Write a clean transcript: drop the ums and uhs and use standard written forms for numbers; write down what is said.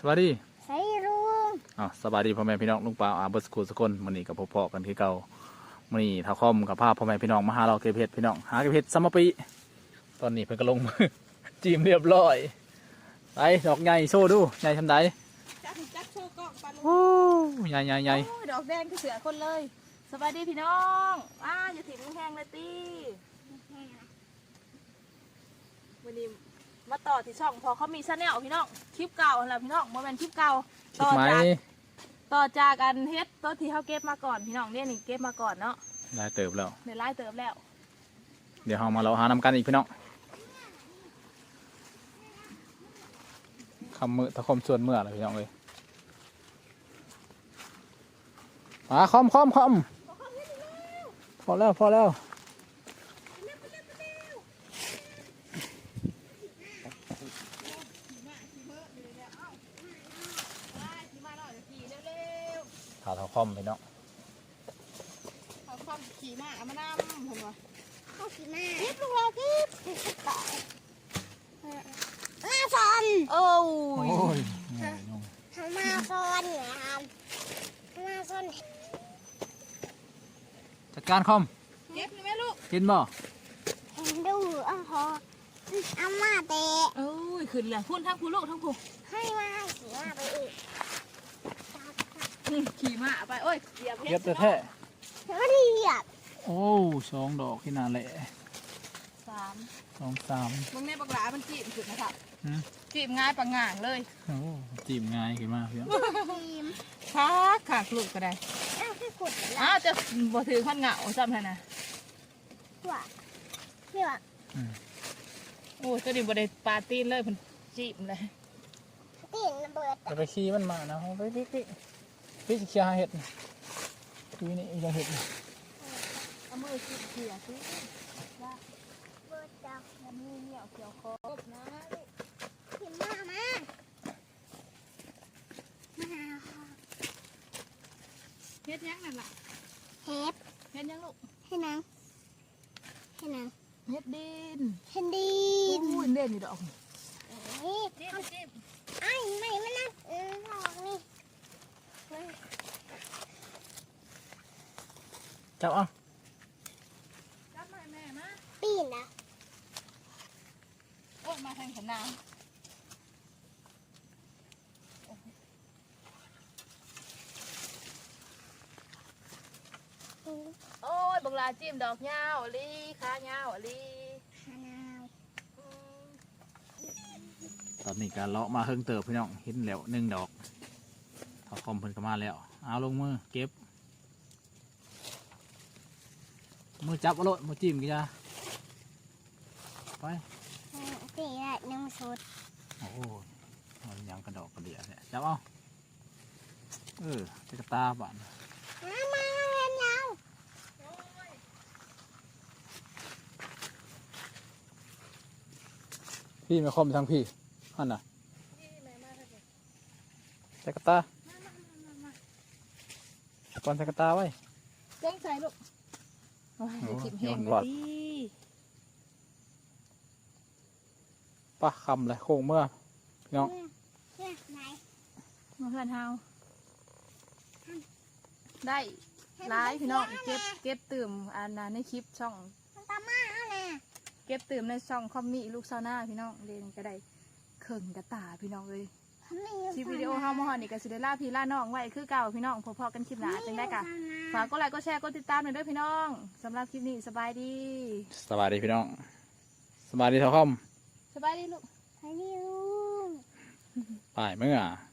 สวัสดีใส่ลุงสวัสดีพ่อแม่พี่น้องลุงป่าเบิร์สกูสกุลมื้อนี้กับพ่อกันคือเก่ามื้อนี้ท้าคอมกับภาพพ่อแม่พี่น้องมาหาเราเก็บเห็ดพี่น้องหาเก็บเห็ดซัมมะปีตอนนี้เพิ่นก็ลงมือ จีมเรียบร้อยไปดอกใหญ่โซ่ดูใหญ่ทำไดจักโชว์กล้องปลาลุงโอ้ใหญ่ดอกแดงคือเสือคนเลยสวัสดีพี่น้องอย่าถิ่มแห้งเลยตีวันนี้มาต่อที่ช่องพอเขามีชาแนลพี่น้องคลิปเก่าแล้วพี่น้องโมเมนต์คลิปเก่าต่อจากกันเฮ็ดต้นที่เขาเก็บมาก่อนพี่น้องเนี่ยนี่เก็บมาก่อนเนาะได้เติบแล้วเดี๋ยวไล่เติบแล้วเดี๋ยวเรามาเราหานำกันอีกพี่น้องคำมือตะคมส่วนเมื่อเลยพี่น้องเลยคอมพอแล้วถาเท้าคอมพี่น้องเขาคอมขี่ม้าเอามานำเห็นไหมเขาขี่ม้ากิ๊บลูกเรากิ๊บต่อยมาซอนโอ้ยมาซอนเนี่ยมาซอนจัดการคอมเก็บเลยไหมลูกกินบ่เห็นดูพอเอามาเตะโอ้ยขึ้นเลยพุ่นทั้งพุ่นลูกทั้งพุ่นให้มาขี่ม้าไปอีกขี่ม้าไปโอ้ยเหยียบเก็บแท้ไม่ได้เหยียบโอ้2 ดอกที่น่าแหละ2 3 มึงในปากหลามันจีบสุดนะครับจีบง่ายปังง่างเลยโอ้จีบง่ายขึ้นมาเพียงขาลูกก็ได้จะบ่ถือขั้นเหงาจำได้นะว่าโอ้ตัวนี้บ่ได้ปาตีนเลยมันจีบเลยตีนระเบิดจะไปขี้มันมานะไปพี่จะเคี่ยวเห็ดพี่นี่จะเห็ดเอามือเขี่ยสิว่าเบิดจับแล้วมือเหนียวเกี่ยวคอนะลูกมาเฮ็ดยังนั่นล่ะเฮ็ดยังลูกเฮ็ดนางเฮ็ดดินโอ้ยเด่นอยู่ดอกนี่จิ้มไอ้ไม่มันนะดอกนี่จับจับมาแม่มาปีนนะโอ้มาทางขนางโอ้ยบังลาจิ้มดอกยาวลีขายาวลีตอนนี้การเลาะมาเฮิงเติบพี่น้องเห็นแล้ว1 ดอกถอดคอมเพิ่นก็มาแล้วเอาลงมือเก็บมือจับเอาโลดมือจิ้มกี่จ้าไปตีได้1 ชุดโอ้ยยังกระดอกกระเดียดเนี่ยจับเอาจะกระตาบ้านมาเรียนยาวพี่มาคอมทางพี่ฮั่นน่ะใส่กระตาก่อนใส่กระตาไว้เจ้งใส่ลูกโยนหลอดป้าคำเลยโค้งเมื่อพี่น้องมาเพื่อนเฮาได้ร้ายพี่น้องเก็บตื่มอันนั้นในคลิปช่องเก็บตื่มในช่องคอมมี่ลูกซาวน่าพี่น้องเรียนก็ได้เข่งกระตาพี่น้องเลยคลิปวิดีโอเฮามาหอนี่กับซิเดล่าพี่ล่าน้องไว้คือเก่าพี่น้องพอๆกันคลิปหนาจังได้กะฝากกดไลค์กดแชร์กดติดตามหน่อยด้วยพี่น้องสำหรับคลิปนี้สบายดีพี่น้องสบายดีเท่าคอมสบายดีลูกสบายดีลูกไปเมื่อ